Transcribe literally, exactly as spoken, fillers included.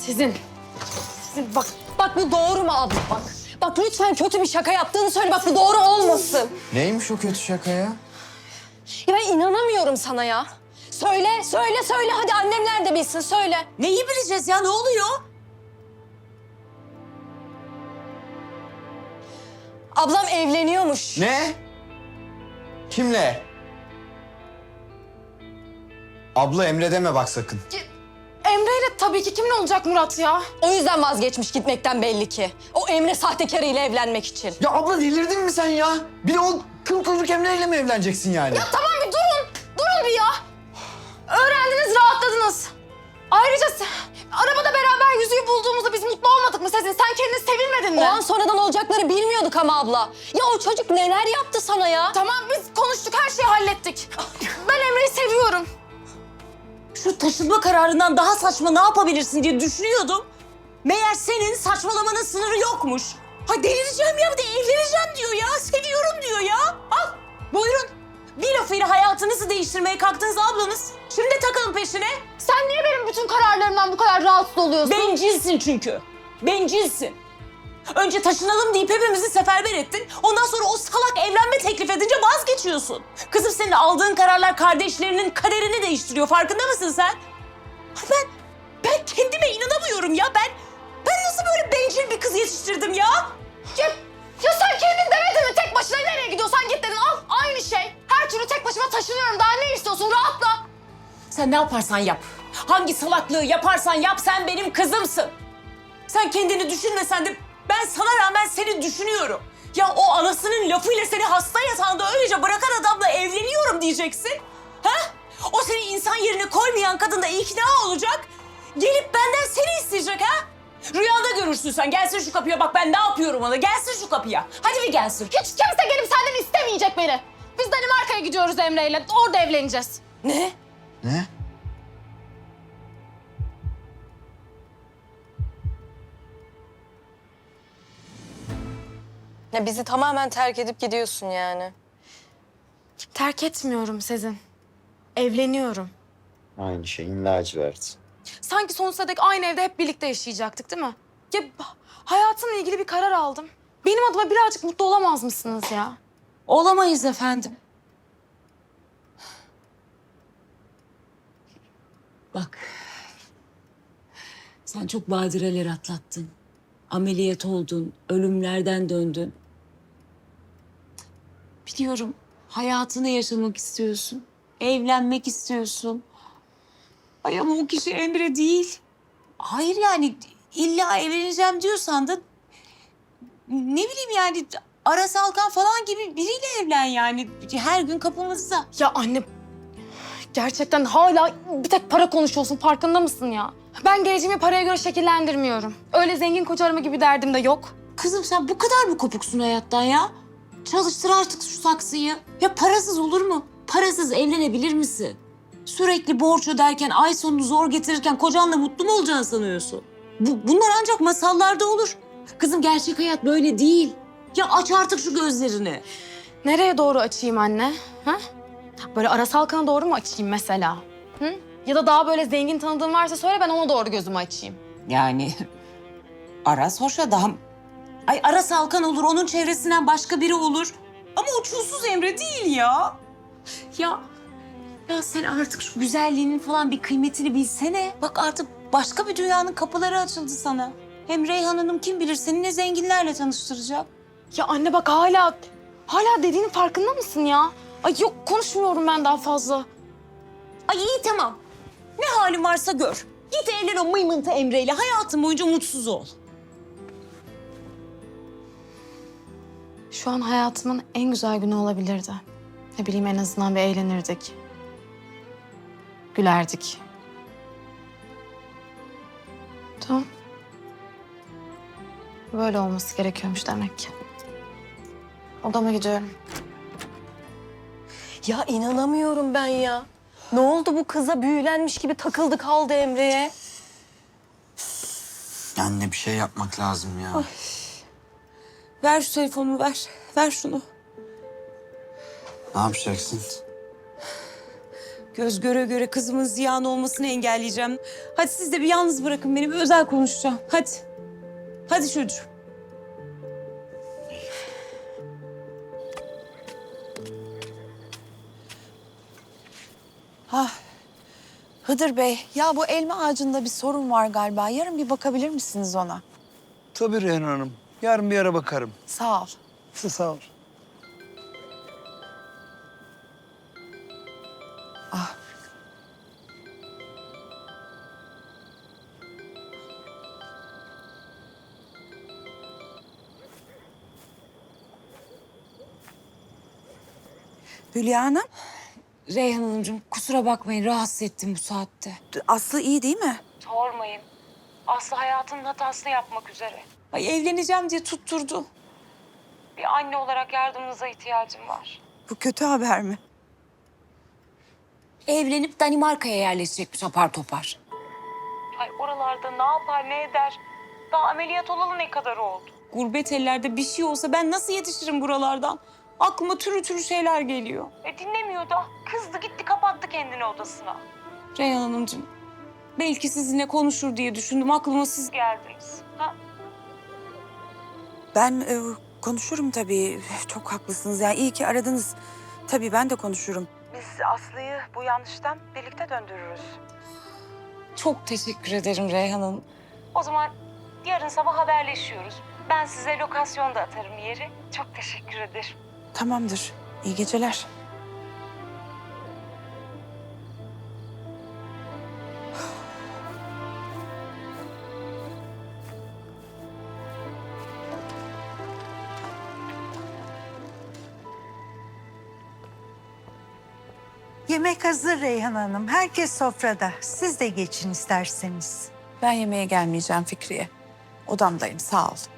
Sizin. Sizin bak, bak bu doğru mu abla bak. Bak lütfen kötü bir şaka yaptığını söyle. Bak bu doğru olmasın. Neymiş o kötü şaka ya? Ya ben inanamıyorum sana ya. Söyle, söyle, söyle. Hadi annemler de bilsin, söyle. Neyi bileceğiz ya? Ne oluyor? Ablam evleniyormuş. Ne? Kimle? Abla Emre deme bak sakın. Emre'yle tabii ki kimin olacak Murat ya? O yüzden vazgeçmiş gitmekten belli ki. O Emre sahtekarıyla evlenmek için. Ya abla delirdin mi sen ya? Bir de o kıl kuyruk Emre'yle mi evleneceksin yani? Ya tamam bir durun. Durun bir ya. Öğrendiniz, rahatladınız. Ayrıca sen- arabada beraber yüzüğü bulduğumuzda biz mutlu olmadık mı Sezin? Sen kendini sevinmedin mi? O an sonradan olacakları bilmiyorduk ama abla. Ya o çocuk neler yaptı sana ya? Tamam biz konuştuk, her şeyi hallettik. Ben Emre'yi seviyorum. Şu taşınma kararından daha saçma ne yapabilirsin diye düşünüyordum. Meğer senin saçmalamanın sınırı yokmuş. Ha delireceğim ya, bir de evleneceğim diyor ya. Seviyorum diyor ya. Al buyurun. Bir lafıyla hayatınızı değiştirmeye kalktınız ablanız. Şimdi takalım peşine. Sen niye benim bütün kararlarımdan bu kadar rahatsız oluyorsun? Bencilsin çünkü. Bencilsin. Önce taşınalım deyip hepimizi seferber ettin. Ondan sonra o salak evlenme teklif edince vazgeçiyorsun. Kızım senin aldığın kararlar kardeşlerinin kaderini değiştiriyor. Farkında mısın sen? Ben, ben kendime inanamıyorum ya. Ben, ben nasıl böyle bencil bir kız yetiştirdim ya? Ya, ya sen kendin demedin mi? Tek başına nereye gidiyorsan git dedin. Al aynı şey. Her türlü tek başıma taşınıyorum. Daha ne istiyorsun? Rahatla. Sen ne yaparsan yap. Hangi salaklığı yaparsan yap, sen benim kızımsın. Sen kendini düşünmesen de ben sana rağmen seni düşünüyorum. Ya o anasının lafıyla seni hasta yatağında öylece bırakan adamla evleniyorum diyeceksin. Ha? O seni insan yerine koymayan kadın da ikna olacak. Gelip benden seni isteyecek ha? Rüyanda görürsün sen. Gelsin şu kapıya, bak ben ne yapıyorum ona. Gelsin şu kapıya. Hadi bir gelsin. Hiç kimse gelip senden istemeyecek beni. Biz Danimarka'ya gidiyoruz Emre'yle. Orada evleneceğiz. Ne? Ne? Ya bizi tamamen terk edip gidiyorsun yani. Terk etmiyorum Sezin. Evleniyorum. Aynı şeyin lacivert. Sanki sonsuza dek aynı evde hep birlikte yaşayacaktık değil mi? Ya hayatımla ilgili bir karar aldım. Benim adıma birazcık mutlu olamaz mısınız ya? Olamayız efendim. Bak. Sen çok badireler atlattın. Ameliyat oldun, ölümlerden döndün. Biliyorum, hayatını yaşamak istiyorsun. Evlenmek istiyorsun. Ay ama o kişi Emre değil. Hayır yani illa evleneceğim diyorsan da ne bileyim yani Aras Alkan falan gibi biriyle evlen yani. Her gün kapımızda. Ya anne gerçekten hala bir tek para konuşuyorsun, farkında mısın ya? Ben geleceğimi paraya göre şekillendirmiyorum. Öyle zengin koca arama gibi derdim de yok. Kızım sen bu kadar mı kopuksun hayattan ya? Çalıştır artık şu saksıyı. Ya parasız olur mu? Parasız evlenebilir misin? Sürekli borç öderken, ay sonunu zor getirirken kocanla mutlu mu olacağını sanıyorsun? Bu, bunlar ancak masallarda olur. Kızım gerçek hayat böyle değil. Ya aç artık şu gözlerini. Nereye doğru açayım anne? Ha? Böyle Aras Alkan'a doğru mu açayım mesela? Hı? Ya da daha böyle zengin tanıdığın varsa söyle, ben ona doğru gözümü açayım. Yani Aras hoş adam. Ay Aras Alkan olur, onun çevresinden başka biri olur. Ama o çulsuz Emre değil ya. Ya, ya sen artık şu güzelliğinin falan bir kıymetini bilsene. Bak artık başka bir dünyanın kapıları açıldı sana. Hem Reyhan Hanım kim bilir seni ne zenginlerle tanıştıracak. Ya anne bak hala, hala dediğinin farkında mısın ya? Ay yok, konuşmuyorum ben daha fazla. Ay iyi tamam. Ne halin varsa gör. Git evlen o mıymıntı Emre'yle. Hayatın boyunca mutsuz ol. Şu an hayatımın en güzel günü olabilirdi. Ne bileyim, en azından bir eğlenirdik. Gülerdik. Tamam. Böyle olması gerekiyormuş demek ki. Odama gidiyorum. Ya inanamıyorum ben ya. Ne oldu bu kıza, büyülenmiş gibi takıldı kaldı Emre'ye? Anne bir şey yapmak lazım ya. Ver şu telefonumu ver. Ver şunu. Ne yapacaksın? Göz göre göre kızımın ziyan olmasını engelleyeceğim. Hadi siz de bir yalnız bırakın beni, bir özel konuşacağım. Hadi. Hadi çocuğum. Ha, Hıdır Bey, ya bu elma ağacında bir sorun var galiba. Yarın bir bakabilir misiniz ona? Tabii Reyhan Hanım. Yarın bir ara bakarım. Sağ ol. Size sağ ol. Ah. Hülya Hanım, Reyhan Hanımcığım kusura bakmayın, rahatsız ettim bu saatte. Aslı iyi değil mi? Sormayın. Aslı hayatının hatasını yapmak üzere. Ay evleneceğim diye tutturdu. Bir anne olarak yardımınıza ihtiyacım var. Bu kötü haber mi? Evlenip Danimarka'ya yerleşecekmiş apar topar. Ay oralarda ne yapar ne eder? Daha ameliyat olalı ne kadar oldu? Gurbet ellerde bir şey olsa ben nasıl yetişirim buralardan? Aklıma türlü türlü şeyler geliyor. E dinlemiyor da. Kızdı gitti kapattı kendini odasına. Reyhan Hanımcığım, belki sizinle konuşur diye düşündüm. Aklıma siz geldiniz. Ha? Ben e, konuşurum tabii. Çok haklısınız. Yani iyi ki aradınız. Tabii ben de konuşurum. Biz Aslı'yı bu yanlıştan birlikte döndürürüz. Çok teşekkür ederim Reyhan Hanım. O zaman yarın sabah haberleşiyoruz. Ben size lokasyon da atarım yeri. Çok teşekkür ederim. Tamamdır. İyi geceler. Yemek hazır Reyhan Hanım. Herkes sofrada. Siz de geçin isterseniz. Ben yemeğe gelmeyeceğim Fikriye. Odamdayım, sağ ol.